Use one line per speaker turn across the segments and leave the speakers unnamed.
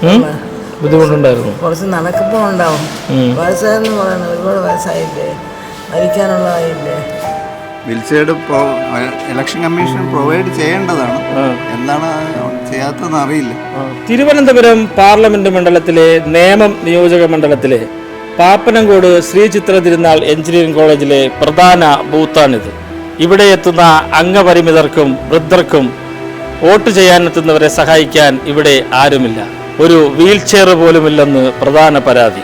ബുദ്ധിമുട്ടുണ്ടായിരുന്നു.
കുറച്ച് നടക്കുമ്പോൾ ഉണ്ടാവും. വയസ്സായെന്ന് പറയുന്നത് ഒരുപാട് വയസ്സായില്ലേ, മരിക്കാനുള്ളതായില്ലേ.
വീൽചെയർ ഇലക്ഷൻ കമ്മീഷൻ പ്രൊവൈഡ് ചെയ്യേണ്ടതാണ്. എന്താണ് ചെയ്യാത്തതെന്ന് അറിയില്ല.
തിരുവനന്തപുരം പാർലമെന്റ് മണ്ഡലത്തിലെ നേമം നിയോജക മണ്ഡലത്തിലെ പാപ്പനംകോട് ശ്രീ ചിത്ര തിരുനാൾ എഞ്ചിനീയറിംഗ് കോളേജിലെ പ്രധാന ബൂത്താണിത്. ഇവിടെ എത്തുന്ന അംഗപരിമിതർക്കും വൃദ്ധർക്കും വോട്ട് ചെയ്യാനെത്തുന്നവരെ സഹായിക്കാൻ ഇവിടെ ആരുമില്ല. ഒരു വീൽ ചെയർ പോലുമില്ലെന്ന് പ്രധാന പരാതി.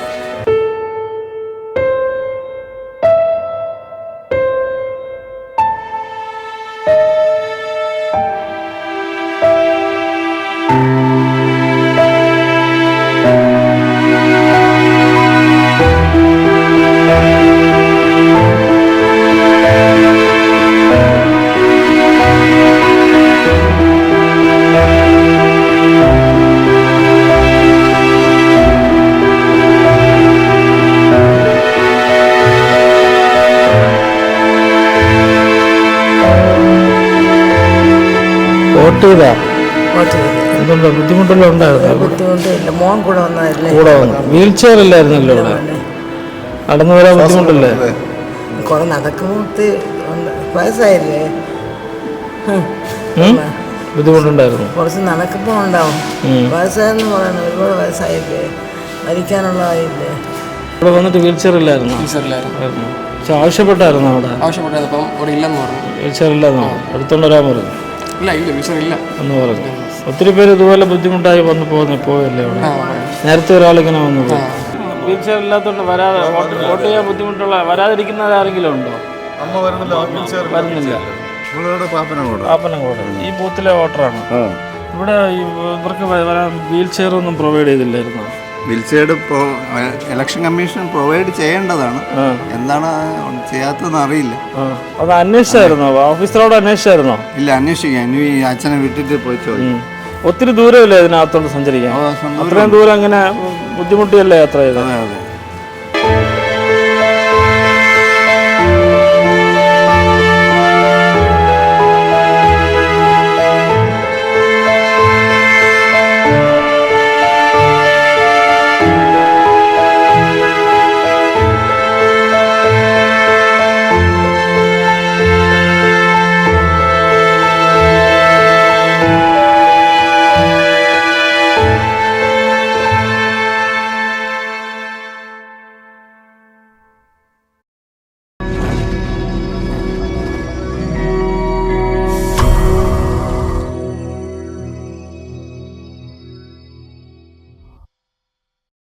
എന്തുണ്ടോ ബുദ്ധിമുട്ടെല്ലാം ഉണ്ടായിരുന്നു?
ബുദ്ധിമുട്ടില്ല. മോൻ കൂടെ വന്നതല്ലേ.
കൂടെ വന്നു. വീൽ ചെയർ ഇല്ലായിരുന്നല്ലോ ഇവിടെ. നടന്നു വരാൻ ബുദ്ധിമുട്ടല്ലേ?
കുറെ നടക്കുമ്പോൾ വയസ്സായില്ലേ,
ബുദ്ധിമുട്ടുണ്ടായിരുന്നു.
കുറച്ച് നടക്കുമ്പോൾ ഉണ്ടാവും. വയസ്സായെന്ന് പറയുന്നത് ഒരുപാട് വയസ്സായില്ലേ, മരിക്കാനുള്ളതായില്ലേ.
ഇവിടെ വന്നിട്ട് വീൽ ചെയർ ഇല്ലായിരുന്നു. പക്ഷെ ആവശ്യപ്പെട്ടായിരുന്നു അവിടെ. വീൽ ചെയർ ഇല്ലാന്നോ? എടുത്തോണ്ട് വരാൻ പറഞ്ഞു. എന്ന് പറഞ്ഞു. ഒത്തിരി പേര് ഇതുപോലെ ബുദ്ധിമുട്ടായി വന്ന് പോയല്ലേ അവിടെ. നേരത്തെ ഒരാളിങ്ങനെ വന്നു പോയി. വീൽ ചെയർ ഇല്ലാത്തതുകൊണ്ട് വരാതെ വോട്ട് ചെയ്യാൻ ബുദ്ധിമുട്ടുള്ള വരാതിരിക്കുന്നത് ആരെങ്കിലും ഉണ്ടോ? വരുന്നില്ല. പാപ്പനംകോട് ഈ ബൂത്തിലെ വോട്ടറാണ്. ഇവിടെ ഇവർക്ക് വരാൻ വീൽ ചെയർ ഒന്നും പ്രൊവൈഡ് ചെയ്തില്ലായിരുന്നു.
വീൽചെയർ ഇലക്ഷൻ കമ്മീഷൻ പ്രൊവൈഡ് ചെയ്യേണ്ടതാണ്. എന്താണ് ചെയ്യാത്തതെന്ന് അറിയില്ല.
അത് അന്വേഷിച്ചായിരുന്നോ? ഓഫീസറോട് അന്വേഷിച്ചായിരുന്നോ?
ഇല്ല, അന്വേഷിക്കാം. ഇനി ഈ അച്ഛനെ വിട്ടിട്ട് പോയി ചോദിക്കും.
ഒത്തിരി ദൂരമില്ലേ ഇതിനകത്തോട്ട് സഞ്ചരിക്കാൻ? അത്രയും ദൂരം അങ്ങനെ ബുദ്ധിമുട്ടിയല്ലേ യാത്ര ചെയ്തത്?
അതെ അതെ.